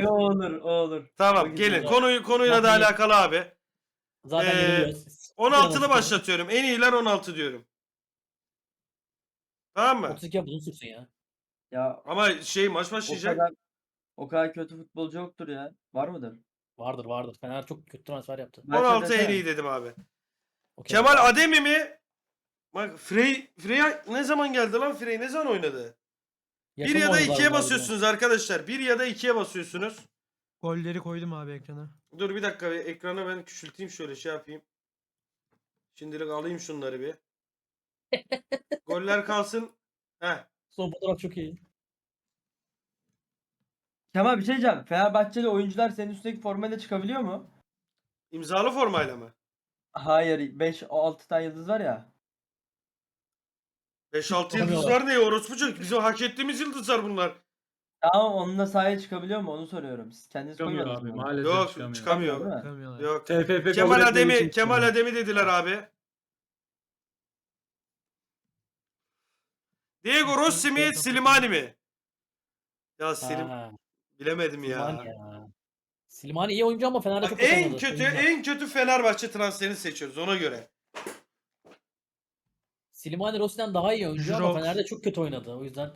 Aga o olur, o olur. O Tamam güzel. gelin konuyla da Zaten- alakalı abi. Zaten yeniliyoruz. 16'lı başlatıyorum. En iyiler 16 diyorum. Tamam mı? 32 uzun sürsün ya. Ya Ama maç o başlayacak. kadar kötü futbolcu yoktur ya. Var mıdır? Vardır. Fener çok kötü transfer yaptı. Başla 16 en desene. iyi dedim abi. Okey. Kemal Ademi mi? Bak Frey ne zaman geldi lan Frey? Ne zaman oynadı? Yakın 1 ya da oynadılar 2'ye bunlar basıyorsunuz arkadaşlar. 1 ya da 2'ye basıyorsunuz. Golleri koydum abi ekrana. Dur bir dakika ekrana ben küçülteyim şöyle şey yapayım. Şimdilik alayım şunları bir. Goller kalsın. Heh. Son fotoğraf çok iyi. Kemal bir şey diyeceğim. Fenerbahçeli oyuncular senin üstündeki formayla çıkabiliyor mu? İmzalı formayla mı? Hayır. 5-6 tane yıldız var ya. 5-6 Çıkamıyorlar. yıldızlar ne orospu çocuk? Bizim hak ettiğimiz yıldızlar bunlar. Tamam onunla sahaya çıkabiliyor mu? Onu soruyorum. Siz kendiniz Çıkamıyor koymadınız abi mı? maalesef Yok çıkamıyor. çıkamıyor. Değil mi? Çıkamıyorlar. Yok. TFF kabul Kemal etmediği Ademi, için Kemal çıkamıyor. Ademi dediler abi. Diego Rossi mi, Slimani mi? Ya Ha, bilemedim Slimani ya. ya. Slimani iyi oyuncu ama Fener'de Bak, çok kötü en oynadı. kötü Oyuncu. en kötü Fenerbahçe transferini seçiyoruz ona göre. Slimani Rossi'den daha iyi oyuncu ama Jirox. Fener'de çok kötü oynadı. O yüzden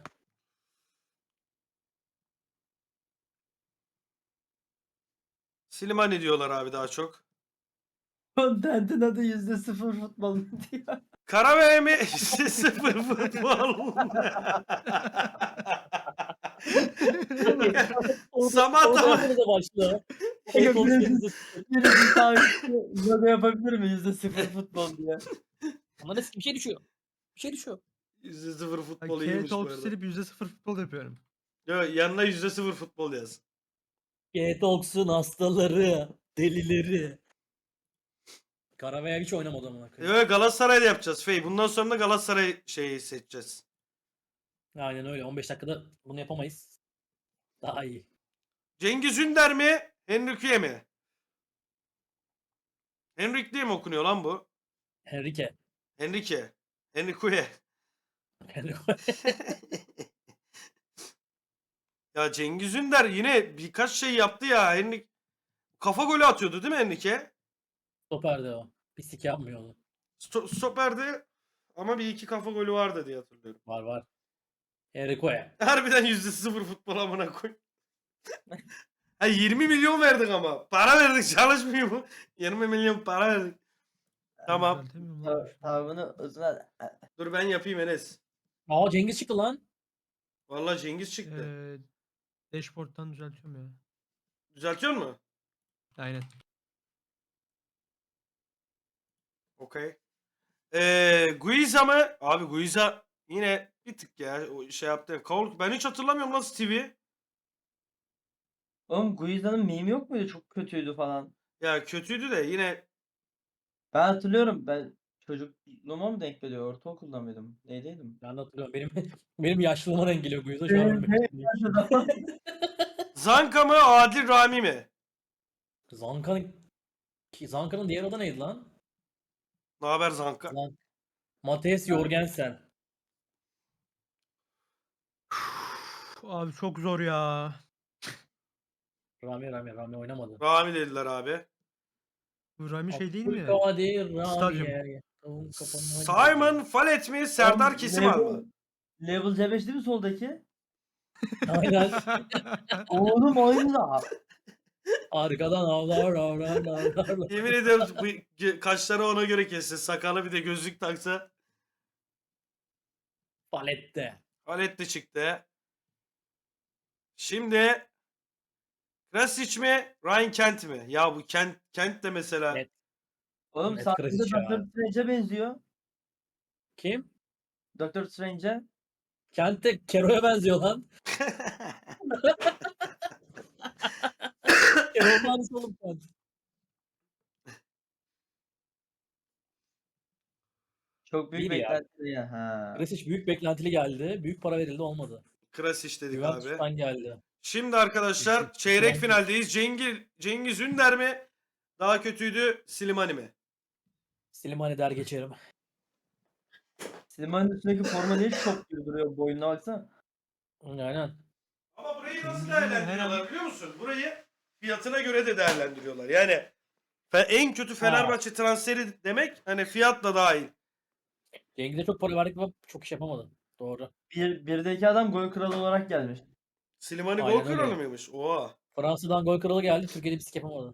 Slimani diyorlar abi daha çok. Content'in adı %0 futbol diyor. Karaveye mi? Sıfır futbol. Samata mı? Orada da başlıyor. Yok, Orta birisi sahip logo yapabilir mi? %0 futbol diye. Ama nasıl bir şey düşüyor. Bir şey düşüyor. %0 futbol K iyiymiş bu Talk arada. silip %0 futbol yapıyorum. Yok, yanına %0 futbol yaz. G-Talks'un hastaları, delileri. Karavaya hiç oynamadı amına koyayım. Evet Galatasaray'da yapacağız Fey. Bundan sonra da Galatasaray şeyi seçeceğiz. Aynen öyle. 15 dakikada bunu yapamayız. Daha iyi. Cengiz Ünder mi? Henrique mi? Henrik diye mi okunuyor lan bu? Henrique. Henrique. Henrique. Ya Cengiz Ünder yine birkaç şey yaptı ya. Kafa golü atıyordu değil mi Henrique? Stoper'de o. Pislik yapmıyordu. Stoper'de ama bir iki kafa golü vardı diye hatırlıyorum. Var. Henrique. Harbiden %0 futbol amına koy. Ha 20 milyon verdik ama. Para verdik çalışmıyor mu? 20 milyon para verdik. Tamam. Düzeltemiyorum lan. Tavrını uzun Dur ben yapayım Enes. Aa Cengiz çıktı lan. Vallahi Cengiz çıktı. Dashboard'dan düzeltiyorum ya. Düzeltiyor mu? Aynen. Okey. Guiza mı? Abi Guiza yine bir tık ya o şey yaptı. Ben hiç hatırlamıyorum lan Stevie'yi. Oğlum Guiza'nın meme yok muydu? Çok kötüydü falan. Ya kötüydü de yine Ben hatırlıyorum. Ben çocukluğuma mı denk geliyor? Ortaokulda mıydım? Neydeydim? Ben de hatırlıyorum. Benim yaşlılığıma denk geliyor bu yüzden şu an ölmek istiyorum. Zanka mı Adil Rami mi? Zanka'nın diğer adı neydi lan? Ne haber Zanka? Matheus Jorgensen. Abi çok zor ya. Rami oynamadı. Rami dediler abi. Bu Rami şey değil mi? Abdülkadir Stadyum. Rami. Simon Fallet mi Serdar Kesimal mı? Level C5 değil mi soldaki? Aynen. Oğlum oyunda. Arkadan avlar. Yemin ediyorum bu kaşları ona göre kesse. Sakalı bir de gözlük taksa. Palette. Fallet de çıktı. Şimdi Krasic mi Ryan Kent mi? Ya bu Kent de mesela. Net. Oğlum Net sahada Krasic ya. Doctor Strange'e benziyor. Kim? Doctor Strange'e. Kent'te Kero'ya benziyor lan. Kero'nun aynısı oğlum Kent. Çok büyük İyiydi ya. beklenti ya. Ha. Krasic büyük beklentili geldi. Büyük para verildi olmadı. Krasic dedik abi. Juventus'tan geldi. Şimdi arkadaşlar çeyrek finaldeyiz. Cengiz Ünder mi? Daha kötüydü Slimani mi? Slimani der geçerim. Slimani'nin üstündeki forma niye şok gibi duruyor? Boynuna baksana. Aynen. Ama burayı nasıl Temizliğin her değerlendiriyorlar an- biliyor musun? Burayı fiyatına göre de değerlendiriyorlar. Yani en kötü Fenerbahçe transferi demek hani fiyatla dahil. Cengiz'e çok para verdik ama çok iş yapamadı. Doğru. Birdeki adam gol kralı olarak gelmiş. Slimani gol Aynen kralı öyle. mıymış? Oha. Fransa'dan gol kralı geldi. Türkiye'de bir sik yapamadı.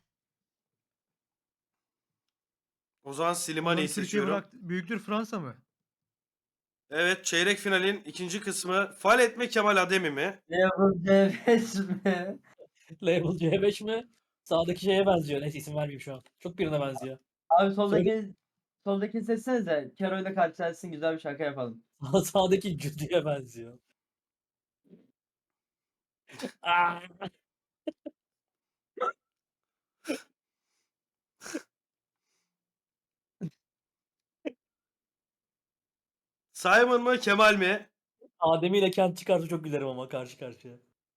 O zaman Oğlum Slimani'yi Türkiye seçiyorum. bıraktı. Büyüktür Fransa mı? Evet, çeyrek finalin ikinci kısmı. Fal etme Kemal Ademi mi? Level C5 mi? Label C5 mi? Sağdaki şeye benziyor. Neyse isim vermeyeyim şu an. Çok birine benziyor. Abi Söyle. soldaki seçsenize. Kero ile karşılaşsın, güzel bir şaka yapalım. Sağdaki Cüdü'ye benziyor. Aa! Simon mı Kemal mi? Adem'i ile Kent çıkarsa çok gülerim ama karşı karşıya.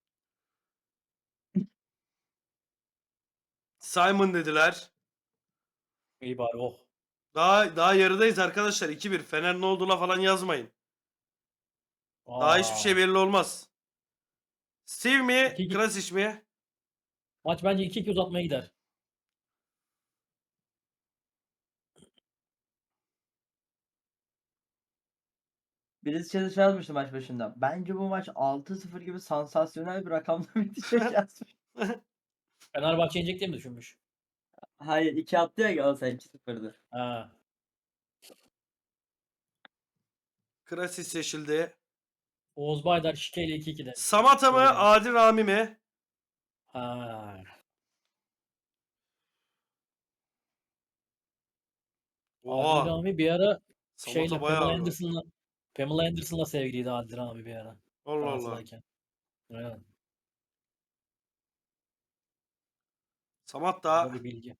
Simon dediler. İyi bari oh. Daha yarıdayız arkadaşlar. 2-1. Fener ne olduğuna falan yazmayın. Daha hiçbir şey belli olmaz. Steve mi? 2-2. Krasic mi? Maç bence 2-2 uzatmaya gider. Birisi şey yazmıştı maç başında. Bence bu maç 6-0 gibi sansasyonel bir rakamla bitecek yazmış. Fenerbahçe yenecek diye mi düşünmüş? Hayır, 2 attı ya Galatasaray 2-0'dı. Ha. Krasic seçildi. Oğuz Baydar şikeyle 2-2'de. Samata mı? Doğru. Adil Rami mi? Ha. Adil Oha. Rami bir ara Samata şeyle bayağı var. Pamela Anderson'la sevgiliydi Adil Rami bir ara. Allah Allah. Galatasaray'ken. Aynen. Samat Bu da da. bir bilgi.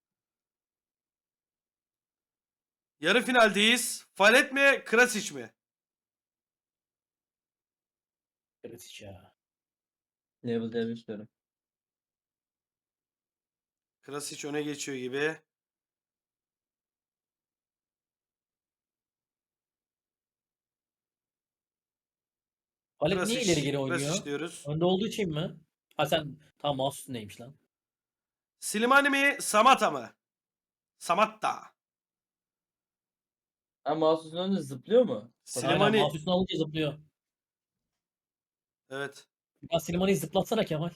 Yarı finaldeyiz. Falet mi? Krasic mi? Kritik ya. Level C5 diyorum. Krasic öne geçiyor gibi. Halit niye ileri geri Krasic oynuyor? diyoruz. Önde olduğu için mi? Ha sen tam mouse üstündeymiş lan. Slimani mi? Samata mı? Samatta. Ama mouse'un önünde zıplıyor mu? Aynen Slimani. mouse üstüne alınca zıplıyor. Evet. Ya Slimani'yi zıplatsana Kemal.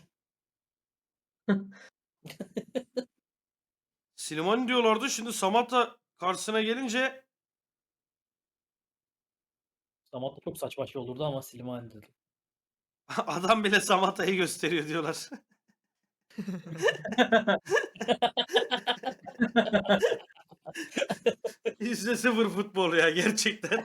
Slimani diyorlardı. Şimdi Samatta karşısına gelince Samat da çok saçma şey olurdu ama Slimani dedi. adam bile Samatta'yı gösteriyor diyorlar. %0 futbol ya gerçekten.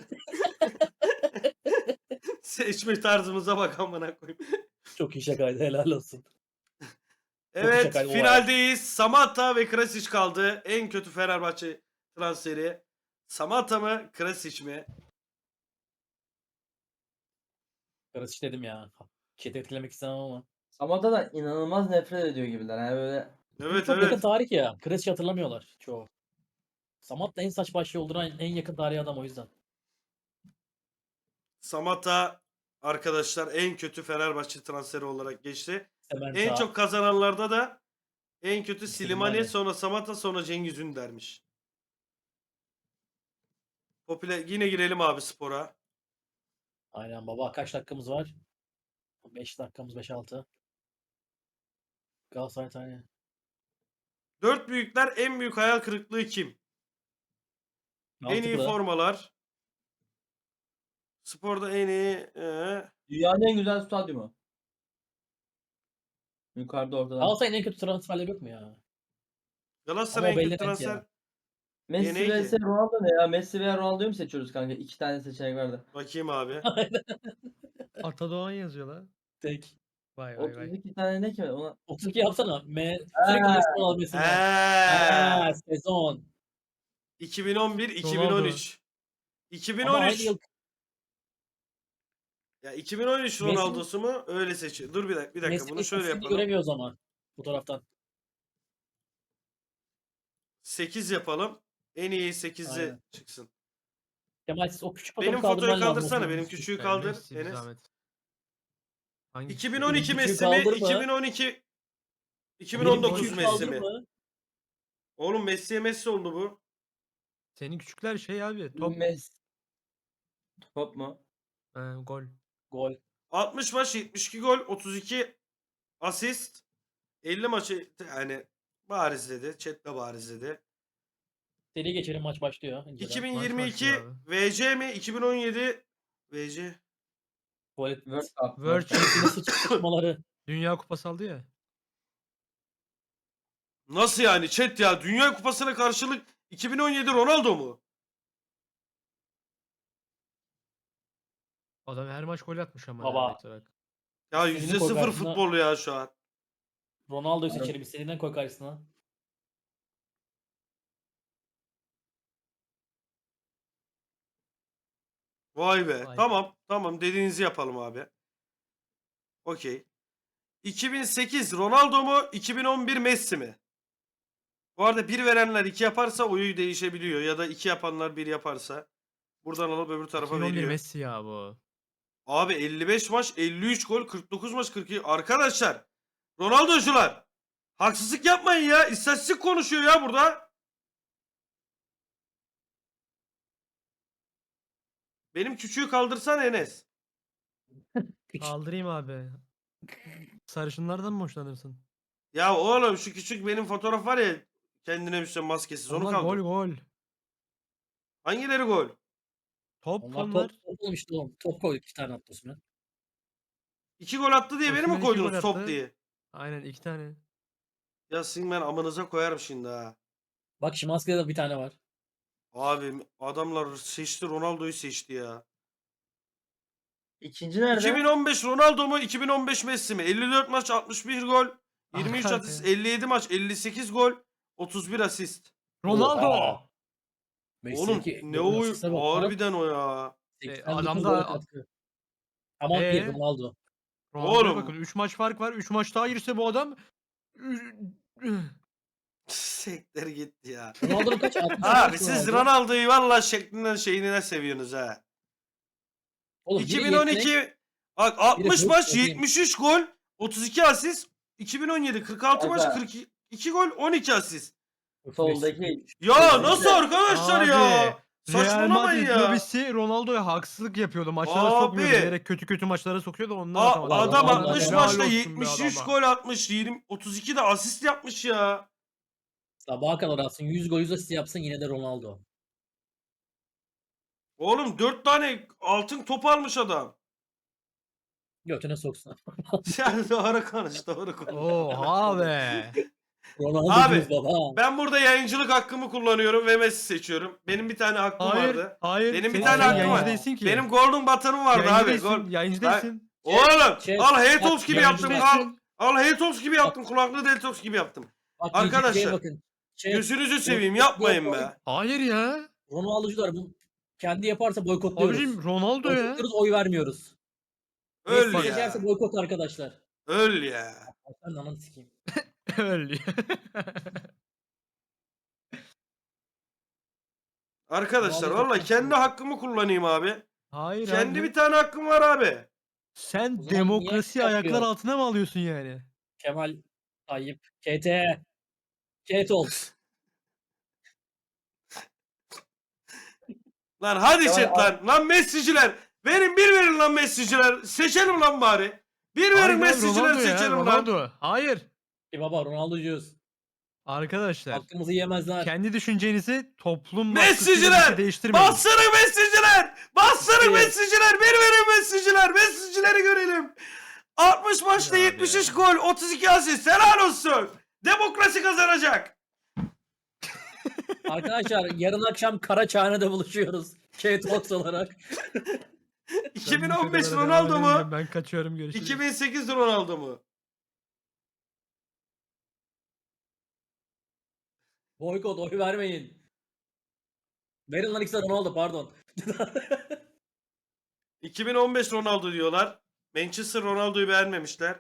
Seçme tarzımıza bak amına koyayım. Çok iyi şakaydı helal olsun. Evet, şakaydı, o finaldeyiz. Samatta ve Krasic kaldı. En kötü Fenerbahçe transferi. Samatta mı, Krasic mi? Karış dedim ya. Chat etkilemek istemem ama. Samata'dan inanılmaz nefret ediyor gibiler. Yani böyle Evet, Çok yakın evet. tarih ya. Krasic hatırlamıyorlar çoğu. Samat da en saçma şey olduran en yakın tarihi adam o yüzden. Samatta arkadaşlar en kötü Fenerbahçe transferi olarak geçti. Hemen En sağ. çok kazananlarda da en kötü Slimani, Slimani. sonra Samatta, sonra Cengiz Ünder'miş. Yine girelim abi spora. Aynen baba. Kaç dakikamız var? 5 dakikamız 5-6. Galatasaray tane. Dört büyükler en büyük hayal kırıklığı kim? En iyi Mantıklı. formalar. Sporda en iyi. dünyanın en güzel stadyumu. Yukarıda ortadan. Galatasaray'ın en kötü transferleri yok mu ya? Galatasaray en Ama o kötü belli net ya. transfer. Messi neydi? vs Ronaldo ne ya? Messi veya Ronaldo'yu mu seçiyoruz kanka? 2 tane seçenek vardı. Bakayım abi. Atadoğan yazıyor la. Tek. Vay vay vay. 32 tane ne ki? Ona... 32 yapsana. Sürekli Ha. Messi almasın. Ha, sezon. 2011, Ronaldo. 2013. Ama aynı 2013. yıl Ya 2013 Messi- Ronaldo'su mu? Öyle seçiyor. Dur bir dakika Messi bunu şöyle istatistiğini yapalım. göremiyoruz ama bu taraftan. 8 yapalım. En iyi 8'e Aynen. çıksın. Kemal siz o küçük Benim fotoğrafı fotoğrafı kaldırman lazım. kaldırsana. O Benim büyük küçüğü Yani kaldır Messi bir Enes. zahmet. Hangisi? 2012 Küçüğü Messi mi? kaldırma. 2012 2019 Küçüğü Messi mi? kaldırma. Oğlum Messi'ye Messi oldu bu. Senin küçükler şey abi. Top. Top mu? Gol. Gol. 60 maç 72 gol 32 asist 50 maçı yani bariz dedi. Chat de bariz dedi. Seri geçelim, maç başlıyor. İnceden. 2022 başlıyor abi. VC mi? 2017 VC. Tuvalet. World Cup. World World Cup. Yine sıçmaları. Dünya Kupası aldı ya. Nasıl yani chat ya? Dünya Kupası'na karşılık 2017 Ronaldo mu? Adam her maç gol atmış ama. Baba. neredeyse bak. Ya İstediğini koy %0 karşısına. futbol ya şu an. Ronaldo'yu seçelim. İstediğinden koy karşısına. Vay be. Vay. Tamam dediğinizi yapalım abi. Okey. 2008 Ronaldo mu? 2011 Messi mi? Bu arada bir verenler 2 yaparsa oyu değişebiliyor. Ya da 2 yapanlar 1 yaparsa. Buradan alıp öbür tarafa 2011 veriyor. Messi ya bu. Abi 55 maç 53 gol 49 maç 42. Arkadaşlar Ronaldo'cular haksızlık yapmayın ya. İstatistik konuşuyor ya burada. Benim küçüğü kaldırsan Enes. Kaldırayım abi. Sarışınlardan mı hoşlanırsın? Ya oğlum şu küçük benim fotoğraf var ya kendine müsait maskesiz onu Onlar kaldır. gol. Hangileri gol? Top Onlar onlar. top olmuştu oğlum. Top koyduk 2 tane attı üstüne. 2 gol attı diye beni mi Osimhen 2 koydunuz gol top attı. diye? Aynen 2 tane. Ya sizin ben amınıza koyarım şimdi ha. Bak Şimanski'de de bir tane var. Abi adamlar seçti Ronaldo'yu seçti ya. İkinci nerede? 2015 Ronaldo mu 2015 Messi mi? 54 maç 61 gol. 23 Arka asist arkaya. 57 maç 58 gol 31 asist. Ronaldo. Oha! Oğlum Messi'deki ne golün o asiste bak lan. harbiden o ya. 89 adam gol da- katkı. Tamam bir Ronaldo. Ronaldo'ya Oğlum. bakın 3 maç fark var. 3 maç daha girse bu adam Sekter gitti ya. Ronaldo'nun kaç? 60 Abi kaç siz Ronaldo? Ronaldo'yu valla şeklinden şeyine seviyorsunuz ha. Oğlum biri 2012 yetenek, bak 60 hırs, maç dediğim. 73 gol 32 asist. 2017 46 maç Aga. 42 gol 12 asist. Soldaki. Ya nasıl arkadaşlar Abi, ya? Real Saçmalamayın Madrid ya. lobisi Ronaldo'ya haksızlık yapıyordu. Maçlara sokmuyordu. Abi. Bilerek kötü maçlara sokuyordu. Ondan A- atamadı. adam Vallahi 60 helal maçta olsun be 73 adama. gol atmış. 32 de asist yapmış ya. Sabaha kadar atsın. 100 gol 100 asist yapsın yine de Ronaldo. Oğlum 4 tane altın top almış adam. Götüne soksun. Sen doğru konuş, doğru konuş. Oha be. Ronaldo Abi, diyoruz baba. Ben burada yayıncılık hakkımı kullanıyorum ve Messi seçiyorum. Benim bir tane hakkım Hayır. vardı. Hayır. Benim bir Senin tane hakkım yayıncı var. değilsin ki. Benim golden button'ım vardı yayıncı abi. değilsin. Yayıncı Ben- değilsin. Oğlum Şey- al Haytox gibi yayıncı yaptım. değilsin. Al Haytox gibi yaptım. Kulaklığı Deltox gibi yaptım. Bak, Arkadaşlar, şeye bakın. Gözünüzü seveyim yapmayın be. Hayır ya. Ronaldo'cular bu kendi yaparsa boykotluyoruz. Abicim Ronaldo ya. Boykotluyoruz, oy vermiyoruz. Öl Messi ya. seçerse boykot arkadaşlar. Öl ya. Ben de ananı sikeyim. Öyle. Arkadaşlar Ronaldo'yu valla çok kendi seviyorum. hakkımı kullanayım abi. Hayır Kendi abi. bir tane hakkım var abi. Sen O zaman demokrasiyi niye ayaklar yapıyor? altına mı alıyorsun yani? Kemal Tayyip. KT. Ketol. Lan hadi Kemal chat lan. Lan Messi'ciler. Verin lan Messi'ciler. Seçelim lan bari. Hayır Verin abi, Messi'ciler Ronaldo ya, seçelim lan. Ronaldo. Hayır. Baba Ronaldo'cuyuz. Arkadaşlar. Hakkımızı yemezler. Kendi düşüncenizi toplum Messi'ciler! baskısıyla değiştirmeyin. Bastırın Messi'ciler. Bastırın Evet. Messi'ciler. Verin Messi'ciler. Messi'cileri görelim. 60 maçta Ya abi 73 gol. 32 asist. Helal olsun. Demokrasi kazanacak. Arkadaşlar yarın akşam Karaçhane'de buluşuyoruz. K-Talks olarak. Ben bu 2015 şakalara Ronaldo devam mu? edemeyeceğim. Ben kaçıyorum, görüşürüz. 2008 Ronaldo mu? Boykot, oy vermeyin. Verin lan ikisi de Ronaldo, pardon. 2015 Ronaldo diyorlar. Manchester Ronaldo'yu beğenmemişler.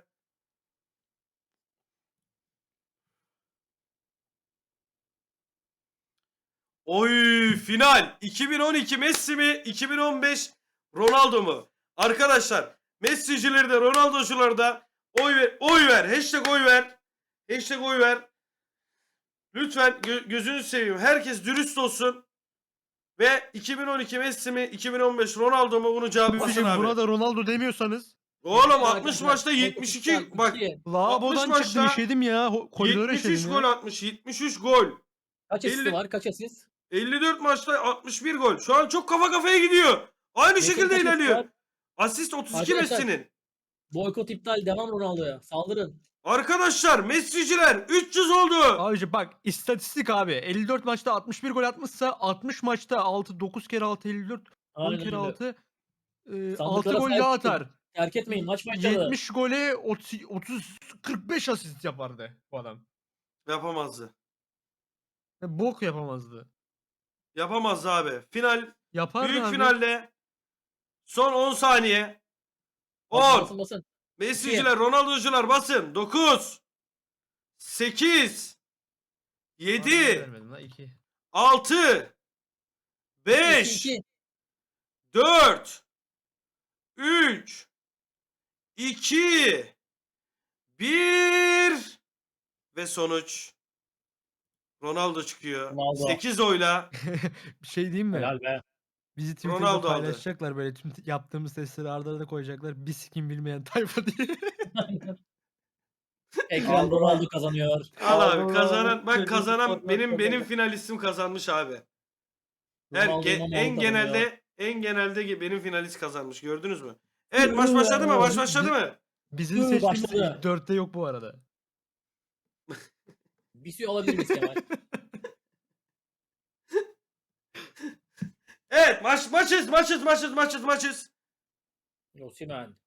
Oy final. 2012 Messi mi? 2015 Ronaldo mu? Arkadaşlar Messi'cileri de Ronaldo'cuları da oy ver. Oy ver. Hashtag oy ver. Hashtag oy ver. Lütfen gözünü seveyim. Herkes dürüst olsun. Ve 2012 Messi mi 2015 Ronaldo mu bunu cevaplasın Abicim abi. buna da Ronaldo demiyorsanız. Oğlum 60 Arkadaşlar, maçta Boykot 72 iptal, bak 2. Lavabodan 60 çıktım maçta işedim ya. Koridora 73 işedim gol ya. atmış 73 gol. Kaç asisti 50 var? Kaç asist? 54 maçta 61 gol. Şu an çok kafa kafaya gidiyor. Aynı Messi'nin şekilde kaç asisti ilerliyor. var? Asist 32 Arkadaşlar. Messi'nin. Boykot iptal. Devam Ronaldo'ya. Saldırın. Arkadaşlar Messi'ciler 300 oldu. Abicim bak istatistik abi. 54 maçta 61 gol atmışsa 60 maçta 9 kere 6 54 10 Aynen kere öyle. 6 6 Sandıklara gol sahip daha çıkın. atar. Terk etmeyin. Maç başladı. 70 gole 30 45 asist yapardı bu adam. Yapamazdı. Bok yapamazdı. Yapamazdı abi. Final Yapardı büyük abi. finalde son 10 saniye. Basın 10 basın basın. Messi'ciler, Ronaldo'cular basın. 9 8 Bana 7 vermedin lan, 2. 6 5 2. 4 3 2 1 ve sonuç Ronaldo çıkıyor. Ronaldo. 8 oyla Bir şey diyeyim mi? Helal be. Bizi Twitter'da Ronaldo aldı. paylaşacaklar böyle tüm yaptığımız testleri arda arda koyacaklar. Bir sikim bilmeyen tayfa diye. Ekran Allah. Ronaldo kazanıyor. Al abi Allah, kazanan bak çocuk kazanan format benim kazandı. finalistim kazanmış abi. Ronaldo En kazanıyor. genelde benim finalist kazanmış gördünüz mü? Evet maç başladı mı? Maç başladı mı? Bizim Hı, seçtiğimiz başladı. ilk 4'te yok bu arada. Bir şey alabilir miyiz Kemal? Evet maçız. Osimhen.